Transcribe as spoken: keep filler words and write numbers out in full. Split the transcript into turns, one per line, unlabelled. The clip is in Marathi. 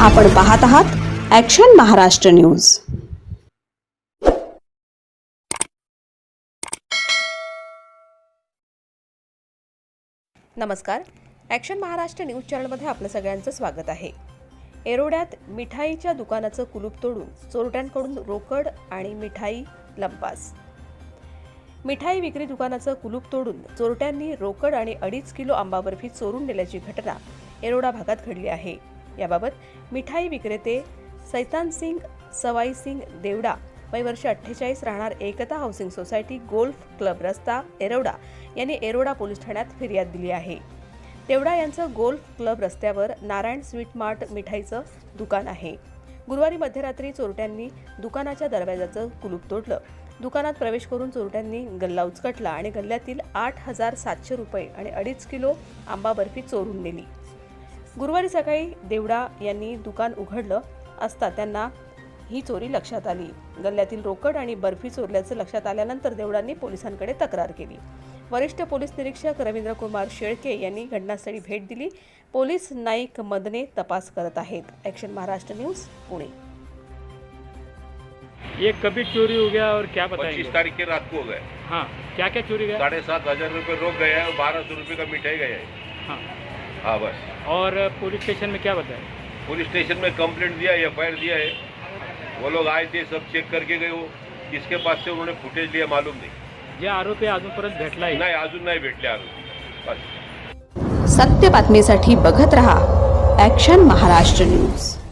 आपण पाहत आहात ॲक्शन महाराष्ट्र न्यूज।
नमस्कार, ॲक्शन महाराष्ट्र न्यूज चॅनलमध्ये आपलं सगळ्यांचं स्वागत आहे। एरोड्यात मिठाईच्या दुकानाचं कुलूप तोडून चोरट्यांकडून रोकड आणि मिठाई लंपास। मिठाई विक्री दुकानाचं कुलूप तोडून चोरट्यांनी रोकड आणि अडीच किलो आंबा बर्फी चोरून नेल्याची घटना एरोडा भागात घडली आहे। याबाबत मिठाई विक्रेते सैतान सिंग सवाई सिंग देवडा वय वर्ष अठ्ठेचाळीस राहणार Ekta housing society golf club रस्ता एरोडा यांनी एरोडा पोलीस ठाण्यात फिर्याद दिली आहे। देवडा यांचं गोल्फ क्लब रस्त्यावर नारायण स्वीट मार्ट मिठाईचं दुकान आहे। गुरुवारी मध्यरात्री चोरट्यांनी दुकानाच्या दरवाजाचं कुलूप तोडलं। दुकानात प्रवेश करून चोरट्यांनी गल्ला उचकटला आणि गल्ल्यातील आठ हजार सातशे रुपये आणि अडीच किलो आंबा बर्फी चोरून नेली। गुरुवारी सकाळी देवडा यांनी दुकान उघडलं असता त्यांना ही चोरी लक्षात आली। गल्ल्यातील रोकड आणि बर्फी चोरल्याचं लक्षात आल्यानंतर देवडांनी पोलिसांकडे तक्रार केली। वरिष्ठ पोलीस निरीक्षक रवींद्र कुमार शेळके यांनी घटनास्थळी भेट दिली। पोलीस नाईक मदने तपास करत आहेत। Action Maharashtra news Pune.
ये कभी चोरी हो गया और क्या बताएंगे?
पच्चीस तारीख के रात को हो गए।
हाँ, क्या क्या चोरी गया?
साढ़े सात हजार रुपये रोक गया है और बारह सौ रुपये का मिठाई गया है।
हाँ,
हाँ बस।
और पुलिस स्टेशन में क्या बताया?
पुलिस स्टेशन में कंप्लेंट दिया, एफ आई आर दिया है। वो लोग आए थे, सब चेक करके गए। वो किसके पास से उन्होंने फुटेज लिया मालूम नहीं।
जे आरोपी अजूनपर्यंत भेटला
नाही, अजून नाही भेटले आरोपी। बस।
सत्य बातमीसाठी बघत रहा ॲक्शन महाराष्ट्र न्यूज।